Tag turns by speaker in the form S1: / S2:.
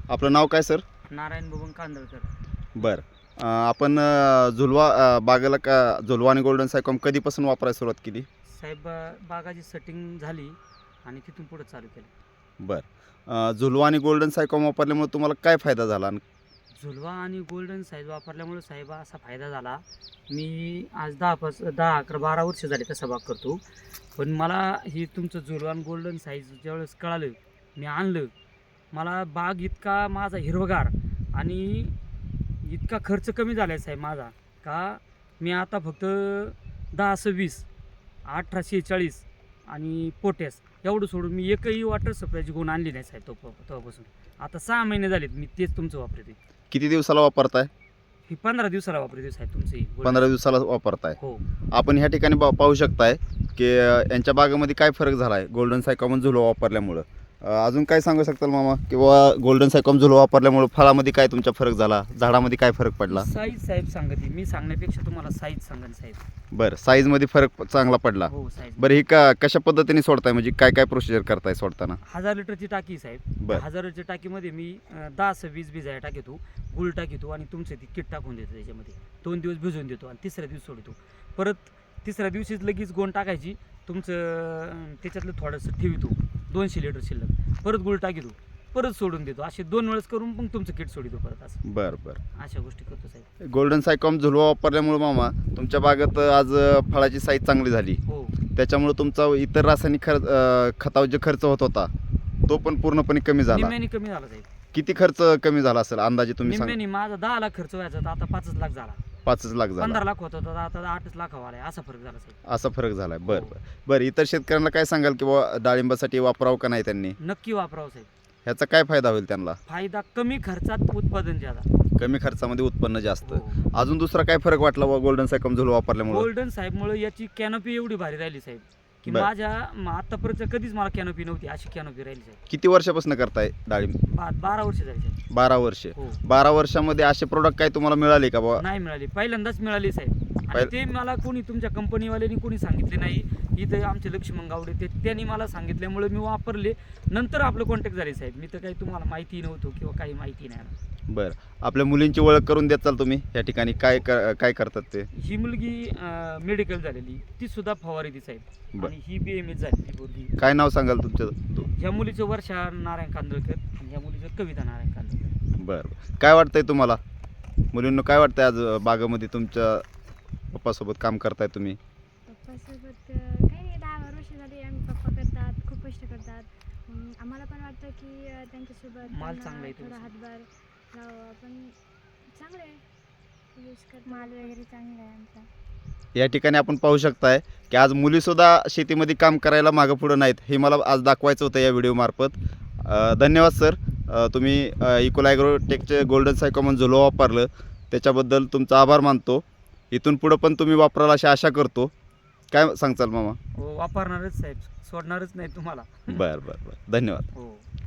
S1: आपलं नाव काय सर?
S2: नारायण बबन कांदळकर.
S1: बरं. आपण बागेला झुलवा आणि गोल्डन सायकॉम कधीपासून वापरायला सुरुवात केली?
S2: साहेब बागाची सेटिंग झाली आणि तिथून पुढे चालू केलं.
S1: बरं. झुलवा आणि गोल्डन सायकॉम वापरल्यामुळे तुम्हाला काय फायदा झाला?
S2: झुलवा आणि गोल्डन साईज वापरल्यामुळे साहेब असा फायदा झाला. मी आज 10-11-12 वर्ष झाले तसा बाग करतो, पण मला ही तुमचं झुलवा आणि गोल्डन साईज ज्यावेळेस कळालं, मी आणलं, मला बाग इतका माझा हिरवगार आणि इतका खर्च कमी झाला आहे साहेब माझा, का मी आता फक्त 10-20, 18-40 आणि पोटॅश एवढं सोडून मी एकही वॉटर सप्लायची गुण आणली नाही साहेब. तेव्हापासून आता 6 महिने झालेत मी तेच तुमचं वापरते.
S1: किती दिवसाला वापरताय?
S2: ही 15 दिवसाला वापरते साहेब तुमची.
S1: 15 दिवसाला वापरताय.
S2: हो.
S1: आपण ह्या ठिकाणी पाहू शकताय की यांच्या बागेमध्ये काय फरक झाला आहे गोल्डन सायकॉम आणि झुलवा वापरल्यामुळं. अजून काय सांगू शकताल मामा? किंवा गोल्डन सायकॉम झुलवा वापरल्यामुळं फळामध्ये काय तुमचा फरक झाला, झाडामध्ये काय फरक पडला?
S2: साईज साहेब सांगते, मी सांगण्यापेक्षा तुम्हाला साईज सांगन साहेब.
S1: बरं, साईजमध्ये फरक चांगला पडला.
S2: हो साईज.
S1: बरं, ही कशा पद्धतीने सोडताय, म्हणजे काय काय प्रोसिजर करताय सोडताना?
S2: 1000 लिटरची टाकी साहेब.
S1: बरं.
S2: 1000 लिटरच्या टाकीमध्ये मी 10-20 बिजाया टाकतो, गुळ टाकतो आणि तुमचं ती किट टाकून देतो त्याच्यामध्ये. 2 दिवस भिजवून देतो आणि तिसऱ्या दिवशी सोडतो. परत तिसऱ्या दिवशीच लगेच गोण टाकायची, तुमचं त्याच्यातलं थोडंसं ठेवतो 200 लिटर शिल्लक, परत गुळ टाकतो, परत सोडून देतो. असे 2 वेळेस करून मग तुमचं किट सोडतो परत. असं
S1: बरं बरं.
S2: अशा गोष्टी करतो साहेब.
S1: गोल्डन सायकॉम झुलवा वापरल्यामुळे मामा तुमच्या बागेत आज फळाची साईज चांगली झाली.
S2: हो.
S1: त्याच्यामुळे तुमचा इतर रासायनिक खतावर जे खर्च होत होता तो पण पूर्णपणे कमी झाला.
S2: निम्म्याने कमी झाला साहेब.
S1: किती खर्च कमी झाला असेल अंदाजे तुम्ही सांगा?
S2: निम्म्याने माझा 10 लाख खर्च व्हायचा तर आता 5 लाख झाला.
S1: 5 लाख झाला.
S2: 15 लाख होता तर आता 8 लाख आलाय. असा फरक झाला साहेब.
S1: असा फरक झालाय. बरं
S2: हो.
S1: बरं बरं. इतर शेतकऱ्यांना काय सांगाल की बाबा डाळिंबासाठी वापरावं का नाही त्यांनी?
S2: नक्की वापरावं साहेब.
S1: ह्याचा काय फायदा होईल त्यांना?
S2: फायदा कमी खर्चात उत्पादन ज्यादा.
S1: कमी खर्चामध्ये उत्पन्न जास्त.
S2: हो.
S1: अजून दुसरा काय फरक वाटला गोल्डन सायकॉम झुलवा वापरल्यामुळे?
S2: गोल्डन साहेबमुळे याची कॅनोपी एवढी भारी राहिली साहेब की
S1: बरं.
S2: माझ्या आतापर्यंत कधीच मला कॅनोपी नव्हती, अशी कॅनोपी राहिली साहेब.
S1: किती वर्षापासून करताय डाळिंब?
S2: 12 वर्ष झाली साहेब.
S1: 12 वर्षे.
S2: हो.
S1: 12 वर्षामध्ये असे प्रोडक्ट काय तुम्हाला मिळाले का बाबा?
S2: नाही मिळाली, पहिल्यांदाच मिळाली साहेब. आणि ते मला कोणी तुमच्या कंपनीवाल्यांनी कोणी सांगितले नाही. इथं आमचे लक्ष्मण गावडे त्यांनी मला सांगितल्यामुळे मी वापरले. नंतर आपलं कॉन्टॅक्ट झाले साहेब. मी तर काही तुम्हाला माहिती नव्हतं किंवा काही माहिती नाही.
S1: बरं. आपल्या मुलींची ओळख करून देताल तुम्ही या ठिकाणी? काय काय करतात ते?
S2: ही मुलगी मेडिकल झालेली, ती सुद्धा फवारी ती साहेब.
S1: बरं.
S2: आणि ही BMS झालेली मुलगी.
S1: काय नाव सांगाल तुमचं?
S2: ह्या मुलीचं वर्षा नारायण कांदळकर आणि ह्या मुलीचं कविता नारायण कांदळकर.
S1: बरं. काय वाटतंय तुम्हाला मुलींना? काय वाटतंय आज बागेमध्ये तुमच्या पप्पासोबत काम करताय तुम्ही?
S3: पप्पासोबत काही नाही, 10 वर्ष झाली आम्ही. पप्पा करतात, खूप कष्ट करतात. आम्हाला पण वाटतं की त्यांच्यासोबत
S2: माल
S3: त्यांना
S2: चांगला आहे
S3: थोडा
S2: तुमचा.
S3: हातभार लावावा. पण चांगलं आहे, यूज करतात. माल वगैरे चांगला आहे आमचा.
S1: या ठिकाणी आपण पाहू शकताय की आज मुलीसुद्धा शेतीमध्ये काम करायला मागं पुढं नाहीत. हे मला आज दाखवायचं होतं या व्हिडिओमार्फत. धन्यवाद सर. तुम्ही इकोला ॲग्रोटेकचे गोल्डन सायकॉम झुलवा वापरलं त्याच्याबद्दल तुमचा आभार मानतो. इथून पुढं पण तुम्ही वापराल अशी आशा करतो. काय सांगचाल मामा?
S2: हो, वापरणारच साहेब, सोडणारच नाही तुम्हाला.
S1: बरं बरं बरं. धन्यवाद.
S2: हो.